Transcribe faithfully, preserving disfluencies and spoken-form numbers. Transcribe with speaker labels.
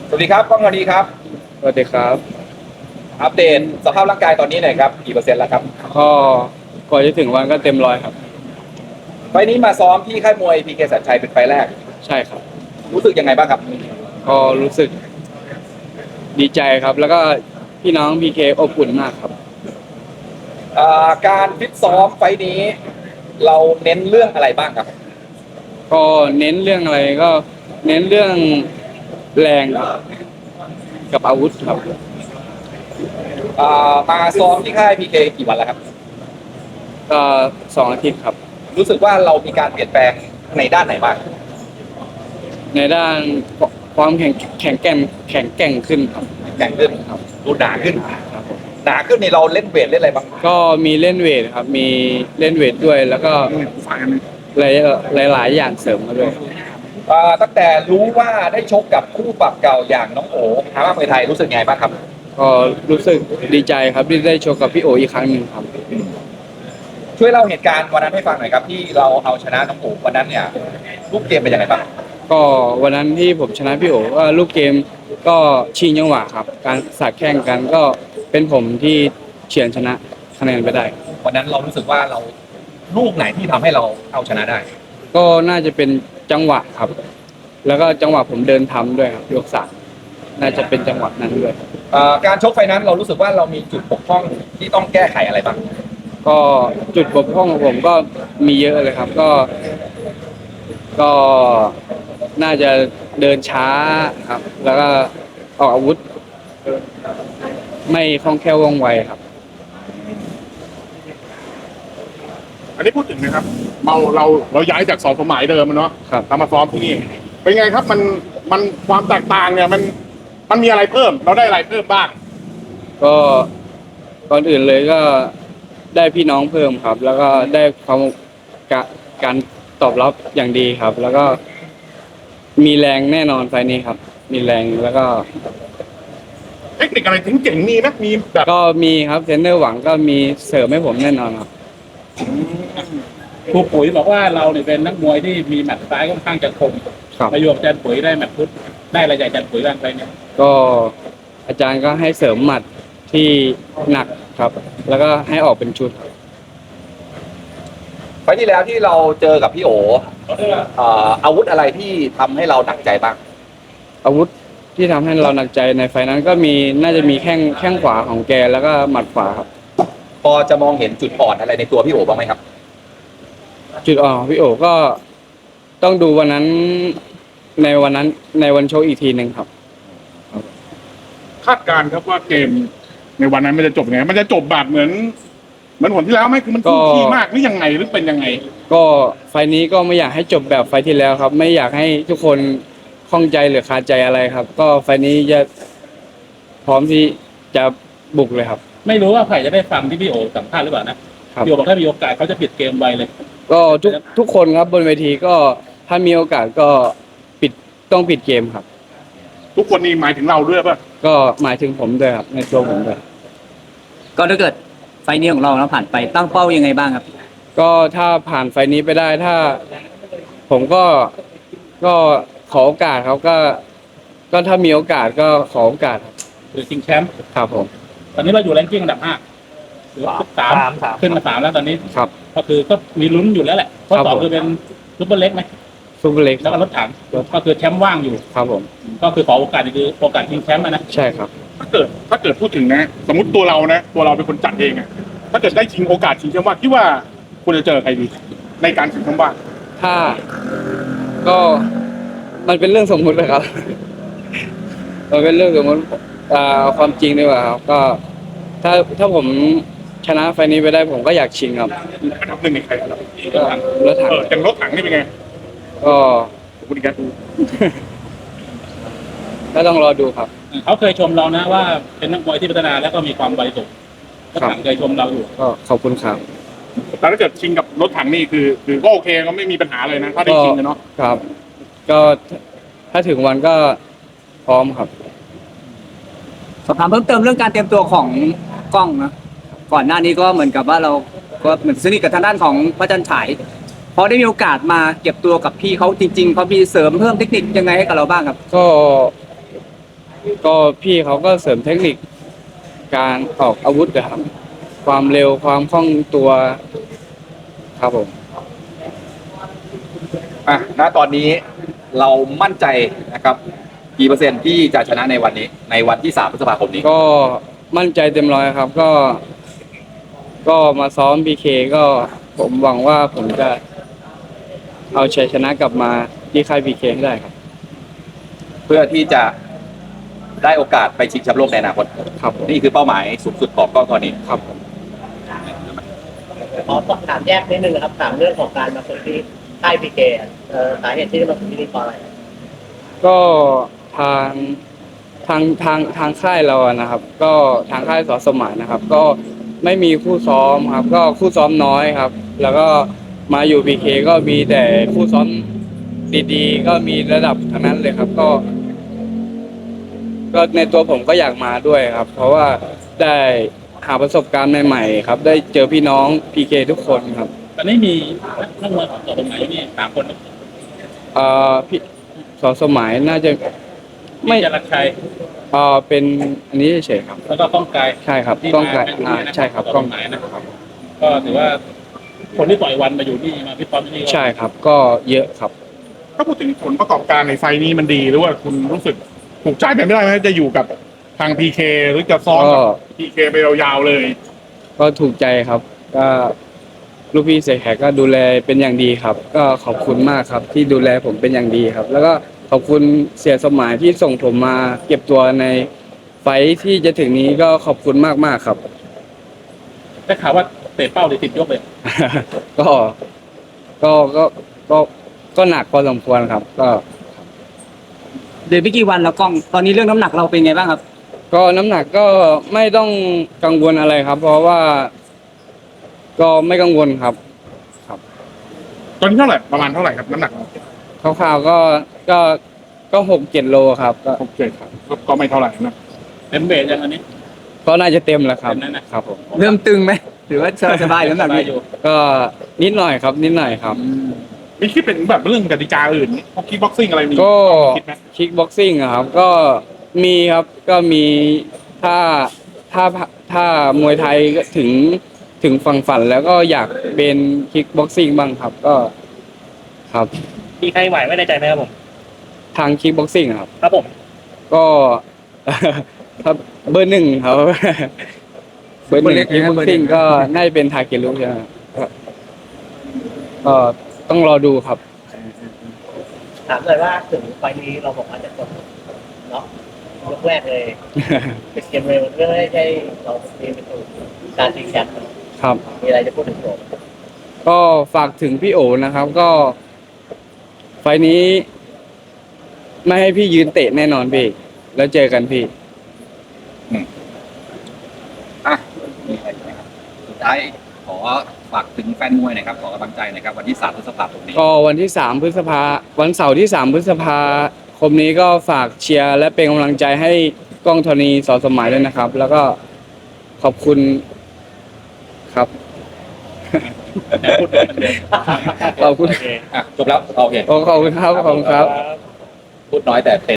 Speaker 1: สวัสดีครับก้องธนีครับ
Speaker 2: สวัสดีครับ
Speaker 1: อัปเดตสภาพร่างกายตอนนี้หน่อยครับกี่เปอร์เซ็นต์แล้วครับ
Speaker 2: ก็ก่อนจะถึงวันก็เต็มร้อยครับ
Speaker 1: ไฟล์นี้มาซ้อมที่ค่ายมวยพีเคสัญชัยเป็นไฟล์แรก
Speaker 2: ใช่ครับ
Speaker 1: รู้สึกยังไงบ้างครับ
Speaker 2: ก็รู้สึกดีใจครับแล้วก็พี่น้องพีเคอบอุ่นมากครับ
Speaker 1: อ่าการฟิตซ้อมไฟล์นี้เราเน้นเรื่องอะไรบ้างครับ
Speaker 2: ก็เน้นเรื่องอะไรก็เน้นเรื่องแรงครับกับอาวุธครับ
Speaker 1: อ่ามาซ้อมที่ค่ายพีเคกี่วันแล้วครับ
Speaker 2: ก็สองอาทิตย์ครับ
Speaker 1: รู้สึกว่าเรามีการเปลี่ยนแปลงในด้านไหนบ้าง
Speaker 2: ในด้านความแข็งแข็งแกร่งแข็งแกร่งขึ้นครับ
Speaker 1: แข็งขึ้น
Speaker 2: ครับ
Speaker 1: ดูหนาขึ้น
Speaker 2: ครับผม
Speaker 1: หนาขึ้นนี่เราเล่นเวทเล่นอะไรบ้าง
Speaker 2: ก็มีเล่นเวทครับมีเล่นเวทด้วยแล้วก็หลายหลายๆอย่างเสริมมาด้วย
Speaker 1: อ่าตั้งแต่รู้ว่าได้ชกกับคู่ปรับเก่าอย่างน้องโอ๋ฮามาเมืองไทยรู้สึกไงบ้างครับ
Speaker 2: ก็รู้สึกดีใจครับที่ได้โชว์กับพี่โออีกครั้งหนึ่งครับ
Speaker 1: ช่วยเล่าเหตุการณ์วันนั้นให้ฟังหน่อยครับที่เราเอาชนะน้องโอ๋วันนั้นเนี่ยรูปเกมเป็นยังไงบ้าง
Speaker 2: ก็วันนั้นที่ผมชนะพี่โอว่าลูกเกมก็ชิงจังหวะครับการสัดแข่งกันก็เป็นผมที่เฉือนชนะคะแนนไปได้
Speaker 1: วันนั้นเรารู้สึกว่าเราลูกไหนที่ทำให้เราเอาชนะได้
Speaker 2: ก็น่าจะเป็นจังหวะครับ แล้วก็จังหวะผมเดินทำด้วยครับยกสามน่าจะเป็นจังหวะนั้นด้วย
Speaker 1: การชกไฟนั้นเรารู้สึกว่าเรามีจุดบกพร่องที่ต้องแก้ไขอะไรบ้าง
Speaker 2: ก็จุดบกพร่องของผมก็มีเยอะเลยครับก็ ก็น่าจะเดินช้าครับ แล้วก็ออกอาวุธ ไม่คล่องแคล่วว่องไวครับ
Speaker 3: อันนี้พูดถึงนะครับเราเราเราย้ายจากสองสมัยเดิมเนาะ
Speaker 2: ครับ
Speaker 3: เรามาซ้อมที่นี่เป็นไงครับมันมันความแตกต่างเนี่ยมันมันมีอะไรเพิ่มเราได้อะไรเพิ่มบ้าง
Speaker 2: ก็ก่อนอื่นเลยก็ได้พี่น้องเพิ่มครับ แล้วก็ได้ความการตอบรับอย่างดีครับ แล้วก็มีแรงแน่นอนไฟนี้ครับ มีแรงแล้วก็
Speaker 3: เทคนิคอะไรถึงเจ๋งมีไหมมีแบบ
Speaker 2: ก็มีครับเทรนเนอร์หวังก็มีเสริมให้ผมแน่นอนครับ
Speaker 4: ครูปุ๋ยบอกว่าเราเนี่ยเป็นนักมวยที่มีหมัดซ้ายค่อนข้างจะคมประโยคอาจารย์ปุ๋ยได้หมัดพุทธได้อะไรจากอาจารย์ปุ๋ยบ้างไปเนี่ย
Speaker 2: ก็อาจารย์ก็ให้เสริมหมัดที่หนักครับ แล้วก็ให้ออกเป็นชุด
Speaker 1: ไฟที่แล้วที่เราเจอกับพี่โออาวุธอะไรที่ทำให้เราหนักใจบ้าง
Speaker 2: อาวุธที่ทำให้เราหนักใจในไฟนั้นก็มีน่าจะมีแข้งแข้งขวาของแกแล้วก็หมัดขวาครับ
Speaker 1: พอจะมองเห็นจุดอ่อนอะไรในตัวพี่โอบ้างไหมครับ
Speaker 2: จุดอ่อนของพี่โอก็ต้องดูวันนั้นในวันนั้นในวันโชว์อีกทีหนึ่งครับ
Speaker 3: คาดการณ์ครับว่าเกมในวันนั้นมันจะจบยังไงมันจะจบแบบเหมือนเหมือนผลที่แล้วไหมคือมันคู่ขี้มากหรือยังไงหรือเป็นยังไง
Speaker 2: ก็ไฟนี้ก็ไม่อยากให้จบแบบไฟที่แล้วครับไม่อยากให้ทุกคนข้องใจหรือคาใจอะไรครับก็ไฟนี้จะพร้อมที่จะบุกเลยครับ
Speaker 4: ไม่รู้ว่าใครจะได้ฟังที่พี่โอสัมภาษณ์หรือเปล่านะพี่โอบอกถ้ามีโอกาสเขาจะปิดเกมไวเลย
Speaker 2: ก็ทุกทุกคนครับบนเวทีก็ถ้ามีโอกาสก็ปิดต้องปิดเกมครับ
Speaker 3: ทุกคนนี่หมายถึงเราด้วยป่ะ
Speaker 2: ก็หมายถึงผมด้วยครับในตัวผมด้วย
Speaker 5: ก็ถ้าเกิดไฟนี้ของเราแล้วผ่านไปตั้งเป้ายังไงบ้างครับ
Speaker 2: ก็ถ้าผ่านไฟนี้ไปได้ถ้าผมก็ก็ขอโอกาสครับก็ก็ถ้ามีโอกาสก็ขอโอกาส
Speaker 4: หรือชิงแชมป์
Speaker 2: ครับผม
Speaker 4: ตอนนี้เราอยู่แรงกิ้งอันดับห้าหรือสามขึ้นมาสามแล้วตอนนี้
Speaker 2: ครับ
Speaker 4: ก็คือก็มีลุ้นอยู่แล้วแหละข้อสองคือเป็นซุปเปอร์เล็กไหม
Speaker 2: ซุปเปอร์เล็ก
Speaker 4: แล้วก็รถถังก็คือแชมป์ว่างอยู่
Speaker 2: ครับผม
Speaker 4: ก็คือขอโอกาสคือโอกาสชิงแชมป์นะ
Speaker 2: ใช่ครับ
Speaker 3: ถ้าเกิดถ้าเกิดพูดถึงนะสมมติตัวเรานะตัวเราเป็นคนจัดเองอะถ้าเกิดได้ชิงโอกาสชิงแชมป์ว่างคิดว่าคุณจะเจอใครดีในการชิงแชมป์ว่าง
Speaker 2: ถ้าก็มันเป็นเรื่องสมมุติเลยครับมันเป็นเรื่องสมมติความจริงดีกว่าครับก็ถ้าถ้าผมชนะไฟนี้ไปได้ผมก็อยากชิงครับ
Speaker 3: อันดับหนึ่งในใครครับ
Speaker 2: ก็รถถัง
Speaker 3: เอออย่างรถถังนี่เป็นไง
Speaker 2: ก็
Speaker 3: คุณอีกแล้ว
Speaker 2: ก็ต้องรอดูครับ
Speaker 4: เขาเคยชมเรานะว่าเป็นนักมวยที่พัฒนาแล้วก็มีความไวสูงรถถังเคยชมเราอยู่
Speaker 2: ก็ขอบคุณครับ
Speaker 3: แต่ถ้าเกิดชิงกับรถถังนี่คือคือก็โอเคก็ไม่มีปัญหาเลยนะถ้าได้ชิงเนาะ
Speaker 2: ครับก็ถ้าถึงวันก็พร้อมครับ
Speaker 5: สอบถามเพิ่มเติมเรื่องการเตรียมตัวของกล้องนะก่อนหน้านี้ก็เหมือนกับว่าเราก็เหมือนสนิทกับทางด้านของพระจันทร์ฉายพอได้มีโอกาสมาเก็บตัวกับพี่เขาจริงๆเขามีเสริมเพิ่มเทคนิคยังไงให้กับเราบ้างครับ
Speaker 2: ก็ก็พี่เขาก็เสริมเทคนิคการออกอาวุธนะครับ ความเร็วความคล่องตัวครับผม
Speaker 1: อ่ะณตอนนี้เรามั่นใจนะครับกี่เปอร์เซ็นต์ที่จะชนะในวันนี้ ในวันที่สามพฤษภาคมนี้
Speaker 2: ก็มั่นใจเต็มร้อยครับ ก็ ก็มาซ้อม พี เค ก็ผมหวังว่าผมจะเอาชัยชนะกลับมาที่ค่าย พี เค ให้ได้ครับ
Speaker 1: เพื่อที่จะได้โอกาสไปชิงแชมป์โลกในอนาคต
Speaker 2: ครับผม
Speaker 1: นี่คือเป้าหมายสูงสุดของกล้องธรณี
Speaker 2: ครับผม
Speaker 6: ขอสอบถามแยกนิดนึงนะครับถามเรื่องของการมาฝึกที่ค่ายพีเคสาเหตุที่มาฝึกที่นี่เพราะอะไร
Speaker 2: ก็ทางทางทางทางค่ายเราอะนะครับ ก็ทางค่ายสอสมานนะครับ ก็ไม่มีคู่ซ้อมครับ ก็คู่ซ้อมน้อยครับ แล้วก็มาอยู่ พี เค ก็มีแต่คู่ซ้อมดีๆ ก็มีระดับทั้งนั้นเลยครับ ก็ ก็ในตัวผมก็อยากมาด้วยครับ เพราะว่าได้หาประสบการณ์ใหม่ๆครับ ได้เจอพี่น้อง พี เค ทุกคนครับ
Speaker 4: ตอนนี้มีนักมวยของตัวตรงไหนอยู่นี่สามคน
Speaker 2: เอ่อพี่สอสมัยน่าจะ
Speaker 4: ไม่
Speaker 2: ไม่
Speaker 4: จรัญชัย
Speaker 2: เอ่อเป็นอันนี้เฉยๆครับ
Speaker 4: แล้วก็ก้องไกล
Speaker 2: ใช่ครับ
Speaker 4: ที่
Speaker 2: กล้องไกล
Speaker 4: มาอยู่
Speaker 2: อ่า
Speaker 4: นี่นะ
Speaker 2: ใช่ครับ
Speaker 4: ต่
Speaker 2: กล้อง
Speaker 4: หมายนะครับก็ถือว่าคนที่ต่อยวันมาอยู่นี่มาพี่ป๊อปที่นี่ก็
Speaker 2: ใช่ครับ ก็เยอะครับ
Speaker 3: ถ้าพูดถึงผลประกอบการในไฟล์นี้มันดีหรือว่าคุณรู้สึกถูกใจไปไม่ได้ไหมจะอยู่กับทาง พี เค หรือจะซ้อมกับ
Speaker 2: ก็
Speaker 3: พี เค ไปยาวๆเลย
Speaker 2: ก็ถูกใจครับ ก็ลูกพี่เสกแขกก็ดูแลเป็นอย่างดีครับ ก็ขอบคุณมากครับ ที่ดูแลผมเป็นอย่างดีครับ แล้วก็ขอบคุณเสียสมายที่ส่งผมมาเก็บตัวในไฟท์ที่จะถึงนี้ก็ขอบคุณมากๆครับ
Speaker 4: ได้ข่าวว่าเตะเป้าเลยติดยกเลย
Speaker 2: ก็ก็ก็ก็ก็หนักพอสมควรครับ ก็
Speaker 5: เดี๋ยวไม่กี่วันแล้วกล้องตอนนี้เรื่องน้ำหนักเราเป็นไงบ้างครับ
Speaker 2: ก็น้ำหนักก็ไม่ต้องกังวลอะไรครับ เพราะว่า ก็ไม่กังวลครับ
Speaker 3: ตอนนี้เท่าไหร่ประมาณเท่าไหร่ครับน้ำหนัก
Speaker 2: คร่าวๆก็ก็ก็หกเจ็ดโลครับ ก็
Speaker 3: โอเคครับก็ไม่เท่าไหร่นะ
Speaker 4: เต็มเวทยังอันนี้
Speaker 2: ก็น่าจะเต็มแล้วครับ
Speaker 4: เต็มแล้วนะครับ
Speaker 2: ผม
Speaker 5: เริ่มตึงไหมหรือว่าสบายๆน้ำหนัก
Speaker 4: สบา
Speaker 5: ดี
Speaker 4: ยอยู่
Speaker 2: ก็นิดหน่อยครับ นิดหน่อยครับ
Speaker 3: มีคิดเป็นแบบเรื่องกติกาอื่นพวกคิกบ็อกซิ่งอะไรมี
Speaker 2: ก็
Speaker 3: คิดไหม
Speaker 2: คิกบ็อกซิ่งอะครับ ก็มีครับ ก็มีถ้าถ้าถ้ามวยไทยก็ถึงถึงฝั่งฝันแล้วก็อยากเป็นคิกบ็อกซิ่งบ้างครับ ก็ครับ
Speaker 6: มีใครไหวไม่ในใจไหมครับผม
Speaker 2: ทางคิกบ็อกซิ่งครับ
Speaker 6: ครับผม
Speaker 2: ก็ ถ้าเบอร์หนึ่งครับ เบอร์หนึ่งคิกบ็อกซิ่งก็น่าจะเป็นทาเกลุใช่ไหมครับก็ก็ต้องรอดูครับ
Speaker 6: ถามเลยว่าถึงไฟล์นี้เราบอกว่าจะกดเนาะยกแรกเลยเป็นเกมเร็วเรื่องไม่ใช่เราเตรียมไปสู่การชิงแชมป์
Speaker 2: ครับ
Speaker 6: มีอะไรจะพูดถึงผม
Speaker 2: ก็ฝากถึงพี่โอนะครับ ก็ไฟล์นี้ ไม่ให้พี่ยืนเตะแน่นอนพี่ แล้วเจอกันพี่
Speaker 1: อ่ะมีอะไรอีกไหมครับสุดท้ายขอฝากถึงแฟนมวยหน่อยครับขอกำลังใจหน่อยครับวันที่สามพฤษภาคมนี้
Speaker 2: ก็วันที่สามพฤษภาวันเสาร์ที่สามพฤษภาคมนี้ก็ฝากเชียร์และเป็นกำลังใจให้กล้องธรณีสอสมัยด้วยนะครับ แล้วก็ขอบคุณครับ
Speaker 4: พูดเหมือนเดิม
Speaker 2: ขอบคุณ
Speaker 1: อ่ะจบแล้วโอเค
Speaker 2: ขอบคุณครับขอบคุณครับ
Speaker 1: พูดน้อยแต่เป็น